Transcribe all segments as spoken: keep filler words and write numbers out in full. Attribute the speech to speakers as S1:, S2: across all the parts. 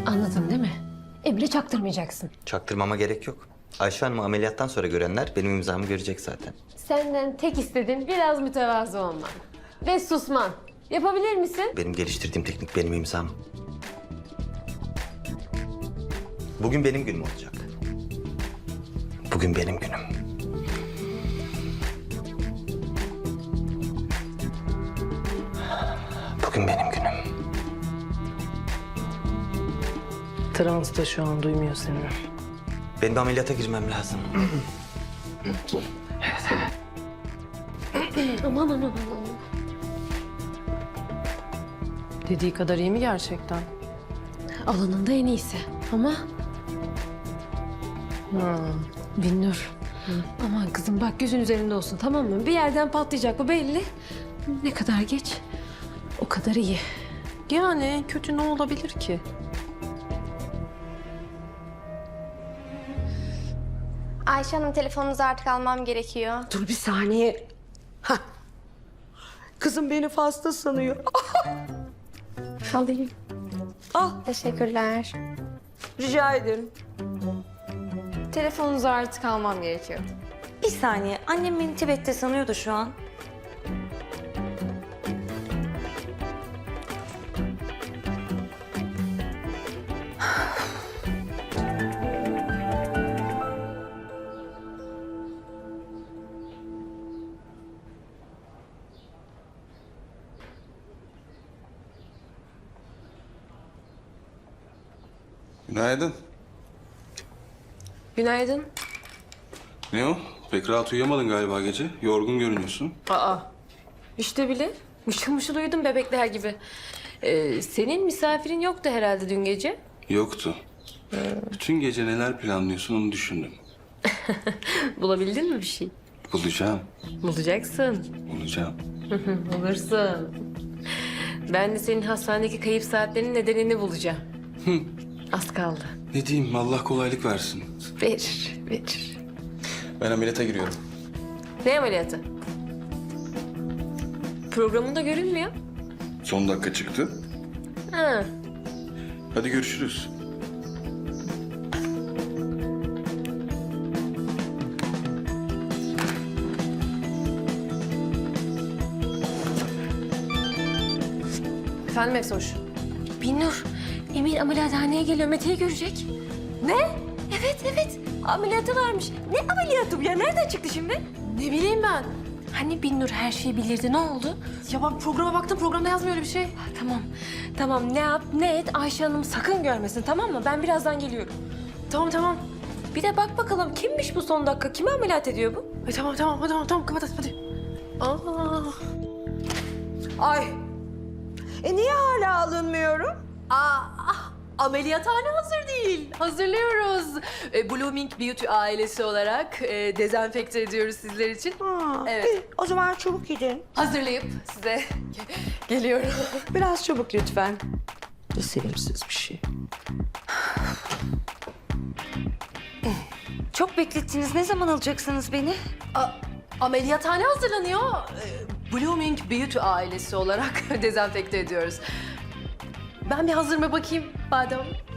S1: Anladın değil mi? Emre çaktırmayacaksın.
S2: Çaktırmama gerek yok. Ayşe Hanım'ı ameliyattan sonra görenler benim imzamı görecek zaten.
S1: Senden tek istediğim biraz mütevazı olman. Ve susman. Yapabilir misin?
S2: Benim geliştirdiğim teknik benim imzam. Bugün benim günüm olacak. Bugün benim günüm. Bugün benim günüm.
S3: Transta şu an duymuyor seni.
S2: Benim bir ameliyata girmem lazım.
S1: Aman aman aman.
S3: Dediği kadar iyi mi gerçekten?
S1: Alanında en iyisi. Ama
S3: Hmm.
S1: Binnur. Aman kızım bak gözün üzerinde olsun, tamam mı? Bir yerden patlayacak, bu belli. Ne kadar geç o kadar iyi.
S3: Yani kötü ne olabilir ki?
S4: Ayşe Hanım, telefonunuzu artık almam gerekiyor.
S5: Dur bir saniye. Hah. Kızım beni fazla sanıyor.
S4: Alayım.
S5: Al,
S4: Teşekkürler.
S5: rica ederim.
S4: Telefonunuzu artık almam gerekiyor.
S6: Bir saniye. Annem beni Tibet'te sanıyordu şu an.
S7: Günaydın.
S3: Günaydın.
S7: Ne o? Pek rahat uyuyamadın galiba gece. Yorgun görünüyorsun.
S3: Aa, işte bile mışıl mışıl uyudum bebekler gibi. Ee, senin misafirin yoktu herhalde dün gece.
S7: Yoktu. Bütün gece neler planlıyorsun onu düşündüm.
S3: Bulabildin mi bir şey?
S7: Bulacağım.
S3: Bulacaksın.
S7: Bulacağım.
S3: Bulursun. Ben de senin hastanedeki kayıp saatlerinin nedenini bulacağım. Az kaldı.
S7: Ne diyeyim? Allah kolaylık versin.
S3: Verir, verir.
S7: Ben ameliyata giriyorum.
S3: Ne ameliyatı? Programında görünmüyor.
S7: Son dakika çıktı.
S3: Ha.
S7: Hadi görüşürüz.
S3: Efendim Efsoş?
S1: Binnur, Emir ameliyathaneye geliyor, Mete'yi görecek.
S3: Ne? Evet, evet. Ameliyatı varmış. Ne ameliyatı bu ya? Nereden çıktı şimdi? Ne bileyim ben.
S1: Hani Binnur her şeyi bilirdi, ne oldu?
S3: Ya ben programa baktım, programda yazmıyor öyle bir şey.
S1: Tamam, tamam ne yap ne et Ayşe Hanım sakın görmesin, tamam mı? Ben birazdan geliyorum.
S3: Tamam, tamam.
S1: Bir de bak bakalım kimmiş bu son dakika, kimi ameliyat ediyor bu?
S3: Ay, tamam, tamam, hadi, tamam, tamam, kapat hadi. Aa.
S5: Ay. E niye hala alınmıyorum?
S3: Aa, ameliyathane hazır değil. Hazırlıyoruz. E, Blooming Beauty ailesi olarak e, dezenfekte ediyoruz sizler için.
S5: Ha,
S3: Evet.
S5: iyi. O zaman çabuk gidin.
S3: Hazırlayıp size geliyorum.
S5: Biraz çabuk lütfen. Ne sevimsiz bir şey.
S6: Çok beklettiniz. Ne zaman alacaksınız beni?
S3: A- ameliyathane hazırlanıyor. E, Blooming Beauty ailesi olarak dezenfekte ediyoruz. Ben bir hazır mı bakayım Badem?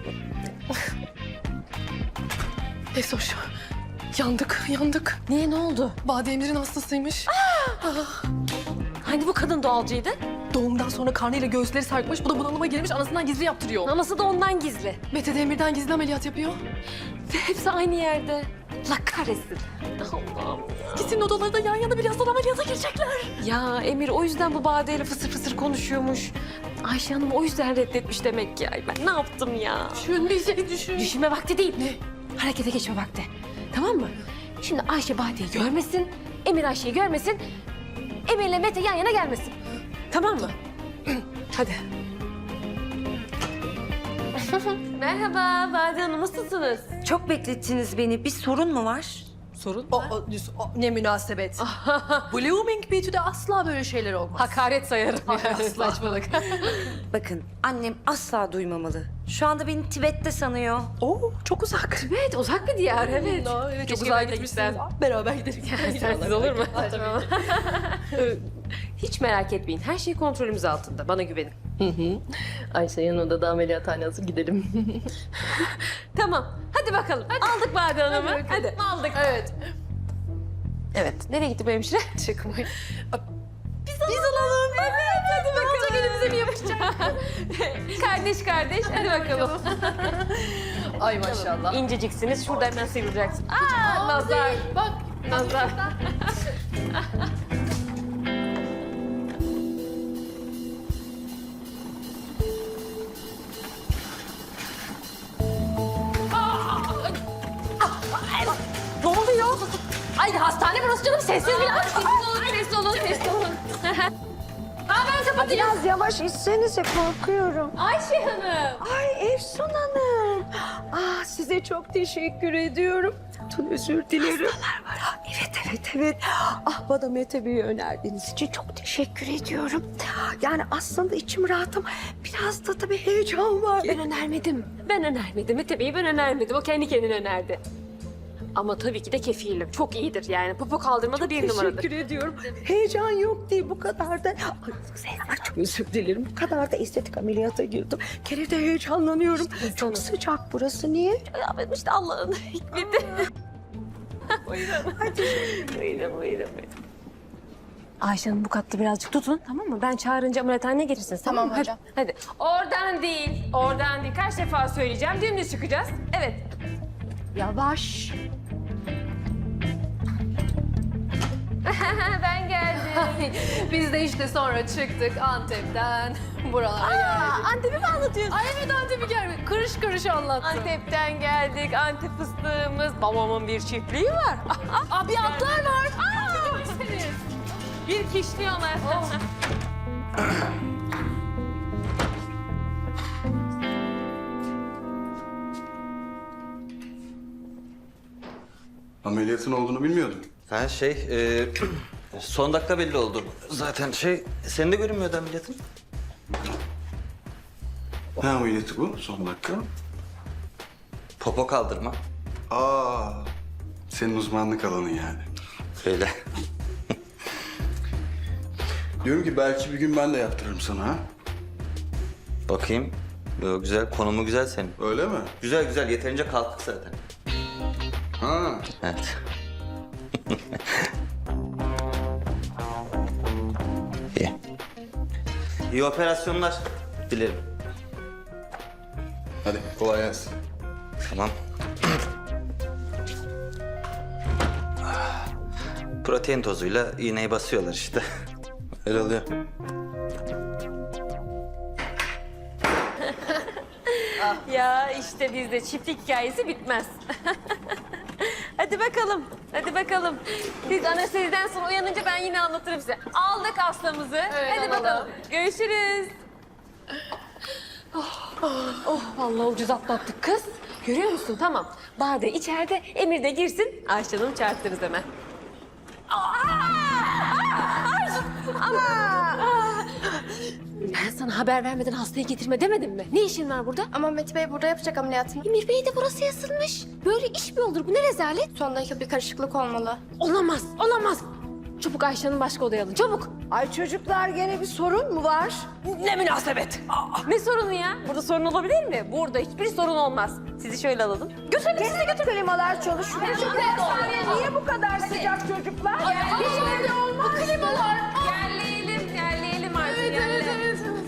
S3: Esoş, yandık, yandık.
S1: Niye, ne oldu?
S3: Bademir'in hastasıymış.
S1: Hani bu kadın doğalcıydı?
S3: Doğumdan sonra karnıyla göğüsleri sarkmış, bu da bunalıma girmiş, anasından gizli yaptırıyor.
S1: Anası da ondan gizli.
S3: Mete Demir'den gizli ameliyat yapıyor.
S1: Ve hepsi aynı yerde. Allah kahretsin. Allah'ım.
S3: İkisinin odaları da yan yana, birazdan ameliyata girecekler.
S1: Ya Emir o yüzden bu Bade'yle fısır fısır konuşuyormuş. Ayşe Hanım o yüzden reddetmiş demek ki. Ay ben ne yaptım ya?
S3: Düşün, bir şey düşün.
S1: Düşünme vakti değil. Ne? Harekete geçme vakti. Tamam mı? Şimdi Ayşe Bade'yi görmesin, Emir Ayşe'yi görmesin, Emir'le Mete yan yana gelmesin. Tamam mı?
S3: Hadi.
S1: Merhaba Bade Hanım, nasılsınız?
S6: Çok beklettiniz beni. Bir sorun mu var?
S3: Sorun o, o, o, ne münasebet. Blooming Beauty'de asla böyle şeyler olmaz.
S1: Hakaret sayarım yani.
S3: Saçmalık.
S6: Bakın annem asla duymamalı. Şu anda beni Tibet'te sanıyor.
S3: Oo, çok uzak.
S1: Evet, uzak bir diyar, evet.
S3: Aa, evet, çok
S1: Keşke
S3: uzağa
S1: ben de
S3: gitmişsiniz.
S1: gitsem.
S3: Beraber gidelim.
S1: Sensiz olur mu? Tamam. Hiç merak etmeyin, her şey kontrolümüz altında. Bana güvenin.
S3: Ayşe yanında da ameliyathane hazır gidelim.
S1: Tamam. Hadi bakalım. Aldık Bade Hanım'ı. Hadi, aldık.
S3: Evet.
S1: Evet. Nereye gitti bu hemşire?
S3: Çıkmayın.
S1: Biz alalım. Evet. Hadi bakalım. Ne olacak, elimize mi yapışacak? Kardeş kardeş. Hadi bakalım.
S3: Ay maşallah.
S1: İnceciksiniz. Şurada hemen sıyrılacaksın. Aa, nazar.
S3: Bak.
S1: Nazar. Ne oluyor? Ay hastane burası canım. Sessiz biraz. Sessiz olun, sessiz olun, sessiz olun. Aa, ben kapatayım.
S5: Biraz yavaş içsenize, korkuyorum.
S1: Ayşe Hanım.
S5: Ay Efsun Hanım. Ah, size çok teşekkür ediyorum. Tüm özür dilerim. Hastalar var. Evet, evet, evet. Ah, bana Mete Bey'i önerdiğiniz için çok teşekkür ediyorum. Yani aslında içim rahatım. Biraz da tabii heyecan var.
S1: Ben önermedim. Ben önermedim. Mete Bey'i ben önermedim. O kendi kendine önerdi. Ama tabii ki de kefilim. Çok iyidir yani. Popo kaldırmada bir numaradır.
S5: Teşekkür ediyorum. Heyecan yok değil bu kadar da. Ay, ay, çok özür dilerim. Bu kadar da estetik ameliyata girdim. Kere de heyecanlanıyorum. Çok sıcak burası. Niye?
S1: Ya benim işte Allah'ın hikmeti. Buyurun. Buyurun, buyurun, buyurun. Ayşe Hanım bu katta birazcık tutun, tamam mı? Ben çağırınca ameliyathaneye gelirsiniz, tamam,
S4: Tamam
S1: mı?
S4: hocam.
S1: Hadi, hadi. Oradan değil, oradan değil. Kaç defa söyleyeceğim, dümdüz çıkacağız. Evet.
S5: Yavaş.
S1: Ben geldim.
S3: Biz de işte sonra çıktık Antep'ten buralara geldik.
S1: Antep'i mi anlatıyorsun?
S3: Ay evet Antep'i geldik. Kırış kırış anlattım.
S1: Antep'ten geldik, Antep fıstığımız. Babamın bir çiftliği var.
S3: Aa, bir atlar var.
S1: Aa, bir kişniyorlar.
S7: Ameliyatın olduğunu bilmiyordum.
S2: Ha şey, e, son dakika belli oldu. Zaten şey, senin de görünmüyordu ameliyatın.
S7: Ne ameliyatı bu son dakika?
S2: Popo kaldırma.
S7: Aa, senin uzmanlık alanın yani.
S2: Öyle.
S7: Diyorum ki belki bir gün ben de yaptırırım sana ha.
S2: Bakayım. Yo, güzel, konumu güzel senin.
S7: Öyle mi?
S2: Güzel güzel, yeterince kalktık zaten.
S7: Ha.
S2: Evet. İyi. İyi operasyonlar dilerim.
S7: Hadi kolay gelsin.
S2: Tamam. Protein tozuyla iğneyi basıyorlar işte. Öyle oluyor.
S1: Ya işte bizde çiftlik hikayesi bitmez. Hadi bakalım, hadi bakalım. Siz anesteziden sonra uyanınca ben yine anlatırım size. Aldık hastamızı.
S3: Evet,
S1: hadi
S3: alalım.
S1: bakalım. Görüşürüz. Oh, oh, vallahi ucuz atlattık kız. Görüyor musun? Tamam. Bade içeride, Emir de girsin. Ayşe Hanım'ı çağırtırız hemen. Ben sana haber vermeden hastayı getirme demedim mi? Ne işin var burada?
S4: Ama Mete Bey burada yapacak ameliyatını.
S1: Emir Bey de burası yazılmış. Böyle iş mi olur? Bu ne rezalet?
S4: Son dakika bir karışıklık olmalı.
S1: Olamaz, olamaz. Çabuk Ayşe'nin başka odaya alın, çabuk.
S5: Ay çocuklar, gene bir sorun mu var?
S1: Ne münasebet. Ne sorunu ya? Burada sorun olabilir mi? Burada hiçbir sorun olmaz. Sizi şöyle alalım. Götürün, sizi götürün.
S5: Klimalar çalışıyor. Şu dershane niye bu kadar sıcak çocuklar?
S1: Hiç evde olmaz. Bu klimalar. Yerleyelim, yerleyelim artık. Evet, evet, evet, evet.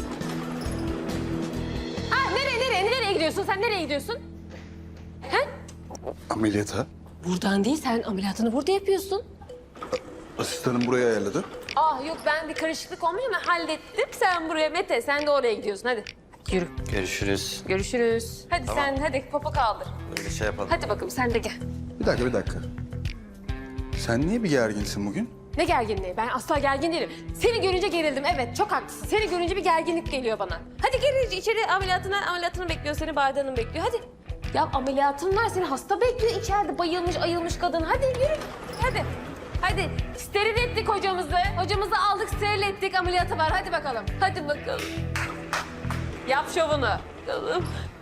S1: Ha, nereye, nereye, nereye gidiyorsun? Sen nereye gidiyorsun? He?
S7: Ameliyata?
S1: Buradan değil, sen ameliyatını burada yapıyorsun.
S7: Asistanım buraya ayarladı.
S1: Ah yok, ben bir karışıklık olmuş ama hallettim. Sen buraya Mete, sen de oraya gidiyorsun. Hadi yürü.
S2: Görüşürüz.
S1: Görüşürüz. Hadi sen, hadi popo kaldır.
S2: Öyle şey yapalım.
S1: Hadi bakalım, sen de gel.
S7: Bir dakika bir dakika. Sen niye bir gerginsin bugün?
S1: Ne gerginliği? Ben asla gergin değilim. Seni görünce gerildim. Evet, çok haklısın. Seni görünce bir gerginlik geliyor bana. Hadi gel içeri, ameliyatına, ameliyatını bekliyor seni. Bade Hanım bekliyor. Hadi. Ya ameliyatın var, seni hasta bekliyor içeride. Bayılmış, ayılmış kadın. Hadi yürü. Hadi. Hadi. Steril ettik hocamızı. Hocamızı aldık, steril ettik. Ameliyatı var. Hadi bakalım. Hadi bakalım. Yap şovunu. Bakalım.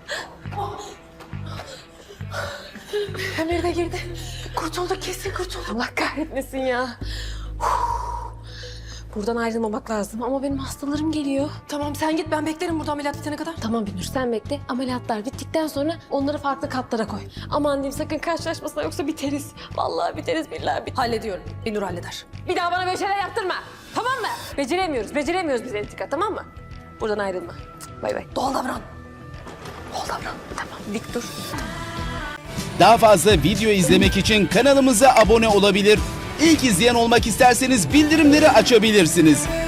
S1: Emir de girdi. Kurtulduk, kesin kurtulduk. Allah kahretmesin ya. Buradan ayrılmamak lazım ama benim hastalarım geliyor.
S3: Tamam sen git, ben beklerim burada ameliyat bitene kadar.
S1: Tamam Binur sen bekle. Ameliyatlar bittikten sonra onları farklı katlara koy. Aman diyeyim sakın karşılaşmasına yoksa biteriz. Vallahi biteriz billahi biteriz.
S3: Hallediyorum. Binur halleder.
S1: Bir daha bana böyle şeyler yaptırma. Tamam mı? Beceremiyoruz. Beceremiyoruz biz entrika tamam mı? Buradan ayrılma. Cık, bay bay.
S3: Doğal davran. Doğal davran.
S1: Tamam dik dur.
S8: Daha fazla video izlemek için kanalımıza abone olabilir. İlk izleyen olmak isterseniz bildirimleri açabilirsiniz.